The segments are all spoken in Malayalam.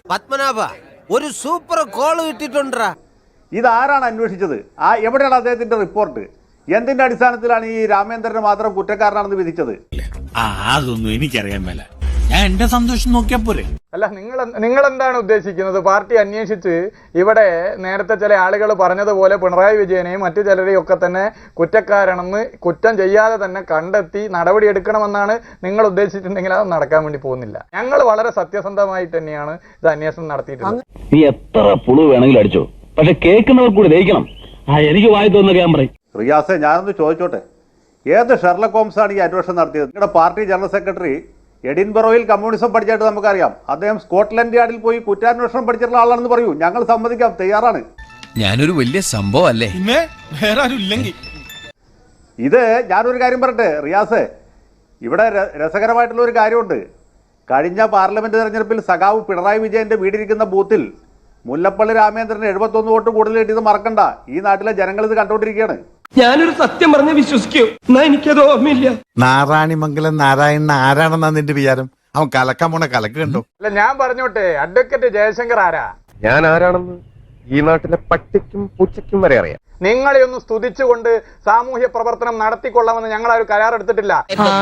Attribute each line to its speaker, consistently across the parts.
Speaker 1: പത്മനാഭ ഒരു സൂപ്പർ കോള് കിട്ടിട്ടുണ്ടാ.
Speaker 2: ഇതാരാണ് അന്വേഷിച്ചത്? എവിടെയാണ് അദ്ദേഹത്തിന്റെ റിപ്പോർട്ട്? എന്തിന്റെ അടിസ്ഥാനത്തിലാണ് ഈ രാമേന്ദ്രനെ മാത്രം കുറ്റക്കാരനാണെന്ന് വിധിച്ചത്?
Speaker 3: അതൊന്നും എനിക്കറിയാൻ മേല. ഞാൻ എന്റെ സന്തോഷം നോക്കിയാ പോരെ.
Speaker 4: അല്ല, നിങ്ങൾ എന്താണ് ഉദ്ദേശിക്കുന്നത്? പാർട്ടി അന്വേഷിച്ച് ഇവിടെ നേരത്തെ ചില ആളുകൾ പറഞ്ഞതുപോലെ പിണറായി വിജയനെയും മറ്റു ചിലരെയും ഒക്കെ തന്നെ കുറ്റക്കാരാണെന്ന് കുറ്റം ചെയ്യാതെ തന്നെ കണ്ടെത്തി നടപടിയെടുക്കണമെന്നാണ് നിങ്ങൾ ഉദ്ദേശിച്ചിട്ടുണ്ടെങ്കിൽ അത് നടക്കാൻ വേണ്ടി പോകുന്നില്ല. ഞങ്ങൾ വളരെ സത്യസന്ധമായിട്ട് തന്നെയാണ് ഇത് അന്വേഷണം നടത്തിയിട്ടുള്ളത്.
Speaker 5: നീ എത്ര പുളു വേണമെങ്കിലും അടിച്ചോ, പക്ഷെ കേൾക്കുന്നവർ കൂടി ദഹിക്കണം. എനിക്ക് വായി തോന്നുന്ന ഞാൻ പറയും.
Speaker 2: റിയാസെ, ഞാനൊന്ന് ചോദിച്ചോട്ടെ, ഏത് ഷെർലക് ഹോംസാണ് ഈ അന്വേഷണം നടത്തിയത്? നിങ്ങളുടെ പാർട്ടി ജനറൽ സെക്രട്ടറി എഡിൻബറോയിൽ കമ്മ്യൂണിസം പഠിച്ചായിട്ട് നമുക്കറിയാം. അദ്ദേഹം സ്കോട്ട്ലൻഡ് യാർഡിൽ പോയി കുറ്റാന്വേഷണം പഠിച്ചിട്ടുള്ള ആളാണെന്ന് പറയൂ. ഞങ്ങൾ സമ്മതിക്കാം, തയ്യാറാണ്.
Speaker 6: ഞാനൊരു വലിയ സംഭവം അല്ലേ?
Speaker 3: വേറെ ആരും ഇല്ലെങ്കിൽ
Speaker 2: ഇത് ഞാനൊരു കാര്യം പറയട്ടെ റിയാസ്, ഇവിടെ രസകരമായിട്ടുള്ള ഒരു കാര്യമുണ്ട്. കഴിഞ്ഞ പാർലമെന്റ് തെരഞ്ഞെടുപ്പിൽ സഖാവ് പിണറായി വിജയന്റെ വീടിരിക്കുന്ന ബൂത്തിൽ മുല്ലപ്പള്ളി രാമേന്ദ്രന് 71 വോട്ട് കൂടുതൽ കിട്ടിയത് മറക്കണ്ട. ഈ നാട്ടിലെ ജനങ്ങൾ ഇത് കണ്ടുകൊണ്ടിരിക്കുകയാണ്.
Speaker 7: ഞാനൊരു സത്യം പറഞ്ഞ് വിശ്വസിക്കൂ, എന്നാ എനിക്കത് ഓർമ്മയില്ല.
Speaker 8: നാരായണിമംഗലം നാരായണൻ ആരാണെന്നാ നിന്റെ വിചാരം? അവൻ കലക്കാൻ പോണ കലക്ക് കണ്ടോ?
Speaker 4: അല്ല, ഞാൻ പറഞ്ഞോട്ടെ, അഡ്വക്കേറ്റ് ജയശങ്കർ ആരാ?
Speaker 7: ഞാൻ ആരാണെന്ന് ഈ നാട്ടിലെ പട്ടിക്കും പൂച്ചയ്ക്കും വരെ അറിയാം.
Speaker 4: നിങ്ങളെ ഒന്ന് സ്തുതിച്ചുകൊണ്ട് സാമൂഹ്യ പ്രവർത്തനം നടത്തിക്കൊള്ളാമെന്ന് ഞങ്ങൾ ആ ഒരു കരാർ എടുത്തിട്ടില്ല.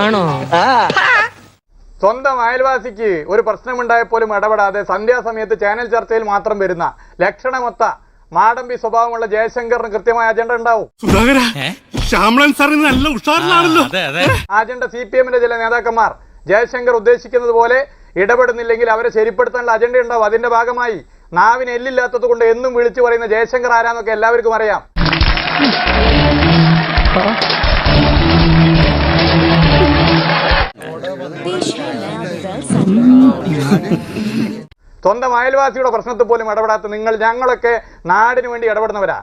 Speaker 4: സ്വന്തം അയൽവാസിക്ക് ഒരു പ്രശ്നമുണ്ടായപ്പോലും ഇടപെടാതെ സന്ധ്യാസമയത്ത് ചാനൽ ചർച്ചയിൽ മാത്രം വരുന്ന ലക്ഷണമൊത്ത മാടമ്പി സ്വഭാവമുള്ള ജയശങ്കറിന് കൃത്യമായ അജണ്ട ഉണ്ടാവും. അജണ്ട CPM-ന്റെ ചില നേതാക്കന്മാർ ജയശങ്കർ ഉദ്ദേശിക്കുന്നത് പോലെ ഇടപെടുന്നില്ലെങ്കിൽ അവരെ ശരിപ്പെടുത്താനുള്ള അജണ്ട ഉണ്ടാവും. അതിന്റെ ഭാഗമായി നാവിന് എല്ലില്ലാത്തത് കൊണ്ട് എന്നും വിളിച്ചു പറയുന്ന ജയശങ്കർ ആരാന്നൊക്കെ എല്ലാവർക്കും അറിയാം. സ്വന്തം അയൽവാസിയുടെ പ്രശ്നത്തിൽ പോലും ഇടപെടാത്ത നിങ്ങൾ, ഞങ്ങളൊക്കെ നാടിന് വേണ്ടി ഇടപെടുന്നവരാ.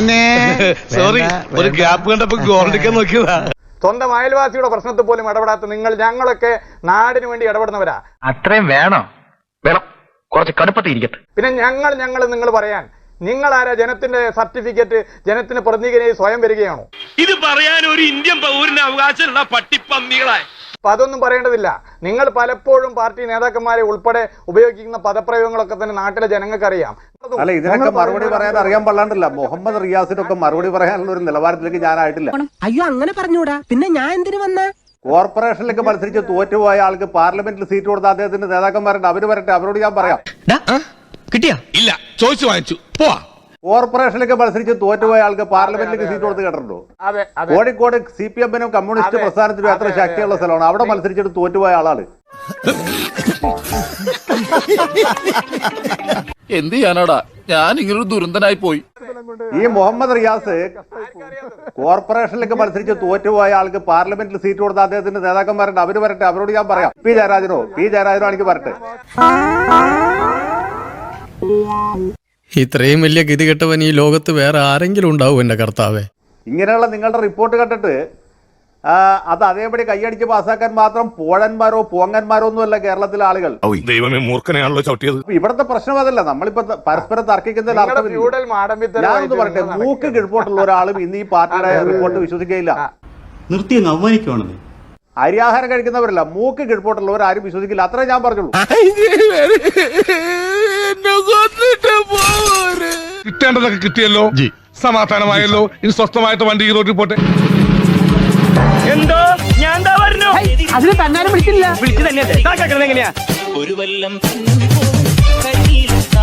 Speaker 4: സ്വന്തം അയൽവാസിയുടെ പ്രശ്നത്തിൽ പോലും ഇടപെടാത്ത നിങ്ങൾ, ഞങ്ങളൊക്കെ നാടിന് വേണ്ടി ഇടപെടുന്നവരാ.
Speaker 7: അത്രയും വേണം, കുറച്ച് കടുപ്പത്തിരിക്കട്ടെ.
Speaker 4: പിന്നെ ഞങ്ങൾ നിങ്ങൾ പറയാൻ നിങ്ങൾ ആരാ? ജനത്തിന്റെ സർട്ടിഫിക്കറ്റ് ജനത്തിന് പ്രതിനിധിയായി സ്വയം വരികയാണോ?
Speaker 3: ഇത് പറയാൻ ഒരു ഇന്ത്യൻ പൗരന് അവകാശമുള്ള പട്ടിപ്പന്നികളായി.
Speaker 4: അപ്പൊ അതൊന്നും പറയേണ്ടതില്ല. നിങ്ങൾ പലപ്പോഴും പാർട്ടി നേതാക്കന്മാരെ ഉൾപ്പെടെ ഉപയോഗിക്കുന്ന പദപ്രയോഗങ്ങളൊക്കെ തന്നെ നാട്ടിലെ ജനങ്ങൾക്ക് അറിയാം.
Speaker 2: അല്ല, ഇതിനൊക്കെ മറുപടി പറയാൻ അറിയാൻ പാടില്ല. മുഹമ്മദ് റിയാസിനൊക്കെ മറുപടി പറയാനുള്ള ഒരു നിലവാരത്തിലേക്ക് ഞാനായിട്ടില്ല.
Speaker 9: അയ്യോ, അങ്ങനെ പറഞ്ഞൂടാ. പിന്നെ ഞാൻ എന്തിനു വന്ന?
Speaker 2: കോർപ്പറേഷനിലേക്ക് മത്സരിച്ച് തോറ്റുപോയ ആൾക്ക് പാർലമെന്റിൽ സീറ്റ് കൊടുത്ത അദ്ദേഹത്തിന്റെ നേതാക്കന്മാരുണ്ട്, അവര് വരട്ടെ, അവരോട് ഞാൻ പറയാം.
Speaker 6: കിട്ടിയാ?
Speaker 3: ഇല്ല, ചോദിച്ചു വാങ്ങിച്ചു പോവാ.
Speaker 2: കോർപ്പറേഷനിലേക്ക് മത്സരിച്ച് തോറ്റുപോയ ആൾക്ക് പാർലമെന്റിലേക്ക് സീറ്റ് കൊടുത്ത് കേട്ടിട്ടുണ്ടോ? കോഴിക്കോട് CPM-നും കമ്മ്യൂണിസ്റ്റ് പ്രസ്ഥാനത്തിനും എത്ര ശക്തിയുള്ള സ്ഥലമാണ്. അവിടെ മത്സരിച്ചിട്ട് തോറ്റുപോയ ആളാണ്.
Speaker 6: എന്ത് ചെയ്യാനാടാ, ഞാൻ ഇങ്ങനൊരു ദുരന്തനായി പോയി.
Speaker 2: ഈ മുഹമ്മദ് റിയാസ് കോർപ്പറേഷനിലേക്ക് മത്സരിച്ച് തോറ്റുപോയ ആൾക്ക് പാർലമെന്റിൽ സീറ്റ് കൊടുത്ത അദ്ദേഹത്തിന്റെ നേതാക്കന്മാരുണ്ട്, അവര് വരട്ടെ, അവരോട് ഞാൻ പറയാം. പി ജയരാജനോ എനിക്ക് വരട്ടെ.
Speaker 10: ഇത്രയും വലിയ ഗതികെട്ടവൻ ഈ ലോകത്ത് വേറെ ആരെങ്കിലും ഉണ്ടാവും എന്റെ കർത്താവേ?
Speaker 2: ഇങ്ങനെയുള്ള നിങ്ങളുടെ റിപ്പോർട്ട് കണ്ടിട്ട് അത് അതേപടി കൈയടിച്ച് പാസ്സാക്കാൻ മാത്രം പോഴന്മാരോ പോങ്ങന്മാരോ ഒന്നുമല്ല കേരളത്തിലെ ആളുകൾ.
Speaker 3: ദൈവമേ, മൂർഖനെയാണല്ലോ ചവിട്ടിയത്.
Speaker 2: ഇവിടത്തെ പ്രശ്നം അതല്ല. നമ്മളിപ്പോ പരസ്പരം തർക്കിക്കുന്നതിൽ അർത്ഥമില്ല. ഞാനൊന്ന് പറയട്ടെ, മൂക്ക് കിഴപ്പോട്ടുള്ള ഒരാളും ഇന്ന് ഈ പാർട്ടിയുടെ റിപ്പോർട്ട് വിശ്വസിക്കുകയില്ല.
Speaker 5: നിർത്തി അവമാനിക്കുവാണെന്ന്.
Speaker 2: അരിയാഹാരം കഴിക്കുന്നവരല്ല, മൂക്ക് കിഴപ്പോട്ടുള്ളവർ ആരും വിശ്വസിക്കില്ല. അത്രേ ഞാൻ പറഞ്ഞുള്ളൂ.
Speaker 3: കിട്ടേണ്ടതൊക്കെ കിട്ടിയല്ലോ, സമാധാനമായല്ലോ. ഇനി സ്വസ്ഥമായിട്ട് വണ്ടി റോഡിൽ പോട്ടെ.
Speaker 7: എന്തോ ഞാൻ പറഞ്ഞു,
Speaker 9: അതിന് തന്നാലും വിളിച്ചില്ല.
Speaker 7: വിളിച്ചു തന്നെ എങ്ങനെയാ?
Speaker 6: ഒരു വല്ലം